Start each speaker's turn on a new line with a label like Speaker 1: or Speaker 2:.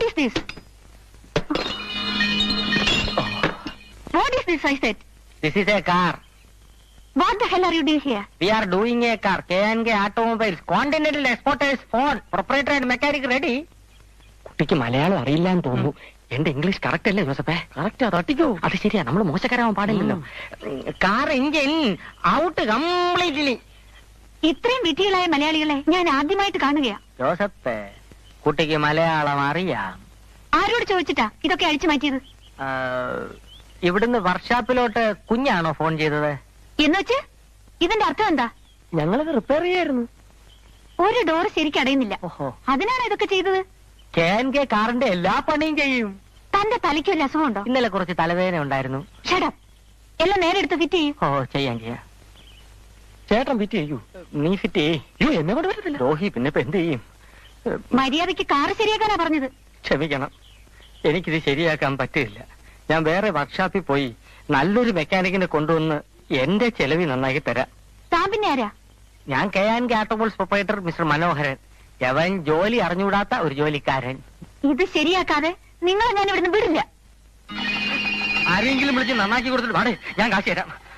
Speaker 1: What is this? What is this, I said?
Speaker 2: This is a car.
Speaker 1: What the hell are you doing here?
Speaker 2: We are doing a car. K&K Automobiles. Continental Exporters phone. Proprietor and mechanic ready. കുട്ടിക്ക് മലയാളം അറിയില്ലാന്ന് തോന്നുന്നു. എന്റെ English correct അല്ലേ ജോസഫേ? Correct, തട്ടിക്കോ. അത് ശരിയാ, നമ്മൾ മോശക്കാരാവാൻ പാടില്ലല്ലോ. Car engine out completely.
Speaker 1: ഇത്രയും വിധികളായ മലയാളികളെ ഞാൻ ആദ്യമായിട്ട് കാണുകയാ.
Speaker 2: ജോസഫേ, കുട്ടിക്ക് മലയാളം അറിയാം.
Speaker 1: ആരോട് ചോദിച്ചിട്ടാ ഇതൊക്കെ അഴിച്ചു മാറ്റിയത്?
Speaker 2: ഇവിടുന്ന് വർക്ക്ഷോപ്പിലോട്ട് കുഞ്ഞാണോ ഫോൺ ചെയ്തത്?
Speaker 1: എന്നുവെച്ച് ഇതിന്റെ അർത്ഥം എന്താ?
Speaker 2: ഞങ്ങളത് റിപ്പയർ ചെയ്യായിരുന്നു.
Speaker 1: ഒരു ഡോർ ശരിക്കും അടയുന്നില്ല.
Speaker 2: ഓഹോ,
Speaker 1: അതിനാണ് ഇതൊക്കെ ചെയ്തത്?
Speaker 2: K&K കാറിന്റെ എല്ലാ പണിയും ചെയ്യും.
Speaker 1: തന്റെ തലയ്ക്ക് വല്ല അസുഖമുണ്ടോ?
Speaker 2: ഇന്നലെ കുറച്ച് തലവേദന ഉണ്ടായിരുന്നു.
Speaker 1: ഷടപ്പ്. എല്ലാം നേരെ എടുത്ത് ഫിറ്റ് ചെയ്യും.
Speaker 2: ഓ, ചെയ്യാം. ചേട്ടൻ ഫിറ്റ് ചെയ്യൂ. നീ ഫിറ്റ് ചെയ്യൂ. എന്നെ കൊണ്ട് പറ്റത്തില്ല രോഹി. പിന്നെ ഇപ്പൊ എന്ത് ചെയ്യും?
Speaker 1: മര്യാദയ്ക്ക് കാറ് ശരിയാക്കാനാ പറഞ്ഞത്.
Speaker 2: ക്ഷമിക്കണം, എനിക്കിത് ശരിയാക്കാൻ പറ്റില്ല. ഞാൻ വേറെ വർക്ക്ഷോപ്പിൽ പോയി നല്ലൊരു മെക്കാനിക്കിനെ കൊണ്ടുവന്ന് എന്റെ ചെലവിൽ നന്നാക്കി തരാം.
Speaker 1: താൻ പിന്നെ ആരാ?
Speaker 2: ഞാൻ K&K ഓട്ടോമൊബൈൽസ് പ്രൊപ്പറേറ്റർ മിസ്റ്റർ മനോഹരൻ. അവൻ ജോലി അറിഞ്ഞുകൂടാത്ത ഒരു ജോലിക്കാരൻ.
Speaker 1: ഇത് ശരിയാക്കാതെ നിങ്ങളെ ഞാൻ ഇവിടുന്ന് വിടില്ല.
Speaker 2: ആരെങ്കിലും വിളിച്ച് നന്നാക്കി കൊടുത്തിട്ട് വാടേ, ഞാൻ കാശ് തരാം.